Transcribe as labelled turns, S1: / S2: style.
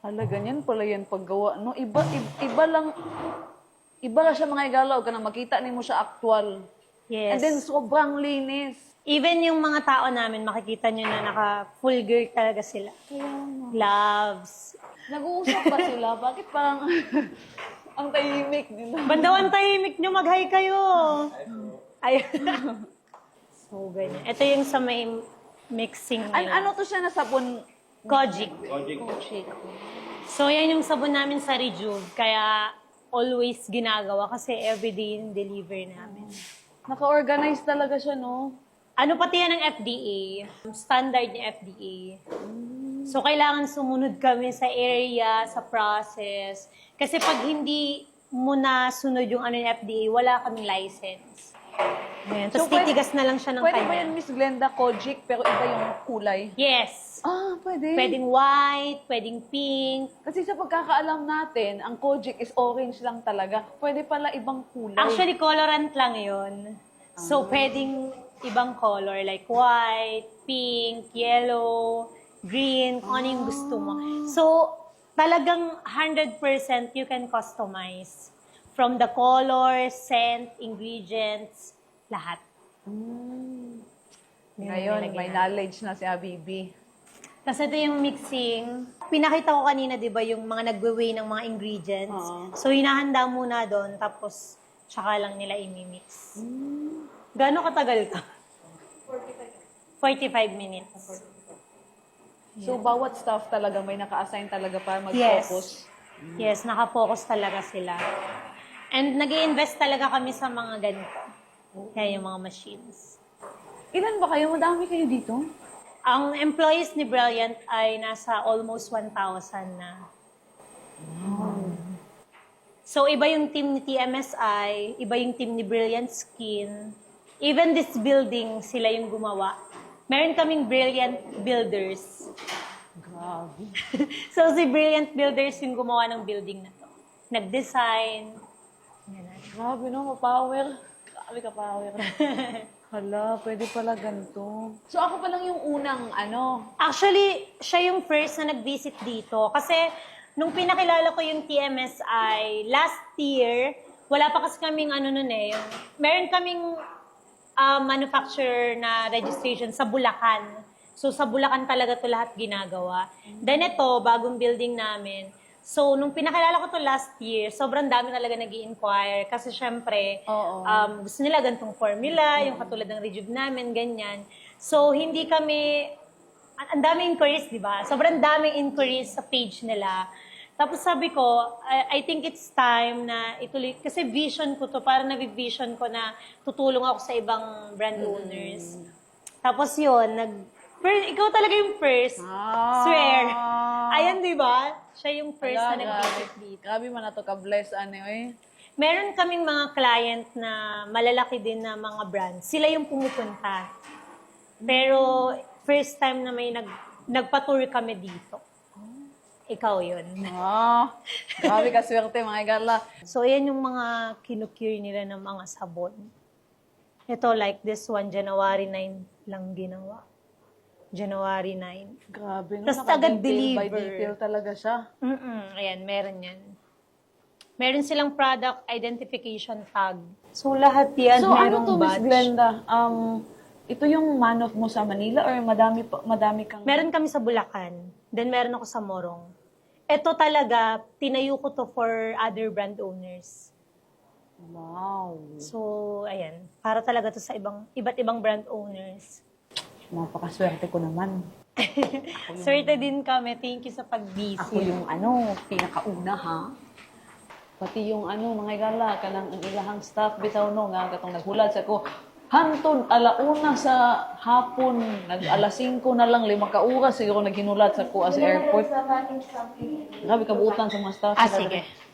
S1: Hala, ganyan pala yan paggawa, no? Iba lang siya mga igalaw ka na makita ni mo siya actual. And
S2: Yes.
S1: then sobrang linis.
S2: Even yung mga tao namin, makikita nyo na naka-full gear talaga sila. Gloves.
S1: Nag-uusap ba sila? Bakit parang ang tahimik nila?
S2: Bandawan tahimik nyo, mag-hi kayo. Ay. So, ganyan. Ito yung sa may mixing nila.
S1: Ano to siya na sabon?
S2: Kojic.
S1: Kojic.
S2: So, yan yung sabon namin sa Rejuve. Kaya, always ginagawa kasi everyday yung deliver namin.
S1: Naka-organize talaga siya, no?
S2: Ano pati yan ng FDA? Standard ni FDA. So, kailangan sumunod kami sa area, sa process. Kasi pag hindi mo na sunod yung ano ng FDA, wala kaming license. Ayan. Tapos titigas na lang siya ng
S1: Pwede
S2: kanya.
S1: ba yan, Miss Glenda, Kojic, pero iba yung kulay?
S2: Yes.
S1: Ah, pwede.
S2: Pwedeng white, pwedeng pink.
S1: Kasi sa pagkakaalam natin, ang Kojic is orange lang talaga. Pwede pala ibang kulay.
S2: Actually, colorant lang yun. So, pwedeng ibang color like white, pink, yellow, green, kung ano yung gusto mo. So, talagang 100% you can customize. From the color, scent, ingredients, lahat.
S1: Ngayon, may knowledge na si Habibi.
S2: Tapos ito yung mixing. Pinakita ko kanina, di ba, yung mga nagwe-weigh ng mga ingredients. So, hinahanda muna doon, tapos tsaka lang nila imimix. Gaano katagal ka? 45 minutes.
S1: So, bawat staff talaga may naka-assign talaga para mag-focus.
S2: Yes, naka-focus talaga sila. And nag-i-invest talaga kami sa mga ganito. Kaya yung mga machines.
S1: Ilan ba kayo? Madami kayo dito?
S2: Ang employees ni Brilliant ay nasa almost 1,000 na. So, iba yung team ni TMSI, iba yung team ni Brilliant Skin. Even this building, sila yung gumawa. Meron kaming Brilliant Builders.
S1: Grabe.
S2: So, si Brilliant Builders yung gumawa ng building na to. Nag-design. Ganun.
S1: Grabe, no? Ma-power. Grabe ka power. Hala, pwede pala ganito. So, ako pa lang yung unang,
S2: Actually, siya yung first na nag-visit dito. Kasi, nung pinakilala ko yung TMSI, last year, wala pa kasi kaming meron kaming manufacturer na registration sa Bulacan. So, sa Bulacan talaga to lahat ginagawa. Then ito, bagong building namin. So, nung pinakilala ko to last year, sobrang dami talaga nag-i-inquire. Kasi syempre, gusto nila gantong formula, yung katulad ng Rejuve namin, ganyan. So, hindi kami, ang daming inquiries, di ba? Sobrang daming inquiries sa page nila. Tapos sabi ko, I think it's time na ituloy, kasi vision ko to, parang nabivision ko na tutulong ako sa ibang brand owners. Tapos yun, ikaw talaga yung first. Swear. Ayan, di ba? Siya yung first na nag-visit dito.
S1: Grabe man na to ka-bless,
S2: Meron kaming mga client na malalaki din na mga brands. Sila yung pumupunta. Pero first time na may nagpa-tour kami dito. Ikaw yun.
S1: Grabe ka swerte, mga igala.
S2: So, ayan yung mga kinukure nila ng mga sabon. Ito, like this one, January 9 lang ginawa. January 9.
S1: Grabe, no?
S2: Tas agad
S1: Naka-detail by
S2: deliver.
S1: detail talaga siya.
S2: Ayan, meron yan. Meron silang product identification tag. So, lahat yan,
S1: So,
S2: merong
S1: to, Miss
S2: batch.
S1: Glenda? Ito yung man-off mo sa Manila or madami kang...
S2: Meron kami sa Bulacan. Then, meron ako sa Morong. Ito talaga, tinayo ko to for other brand owners.
S1: Wow.
S2: So, ayan. Para talaga to sa iba't ibang brand owners.
S1: Napakaswerte ko naman.
S2: Swerte din kami. Thank you sa pag-visit.
S1: Ako yung pinakauna ha. Pati yung mga igala, kanang ang ilahang staff, bitaw no, nga katong naghulat sa ko, hantod, alauna sa hapon, alas 5 na lang, 5 ka oras, siguro naghinulat sa ko sa airport. Grabe kabuutan sa mga staff.
S2: Sige.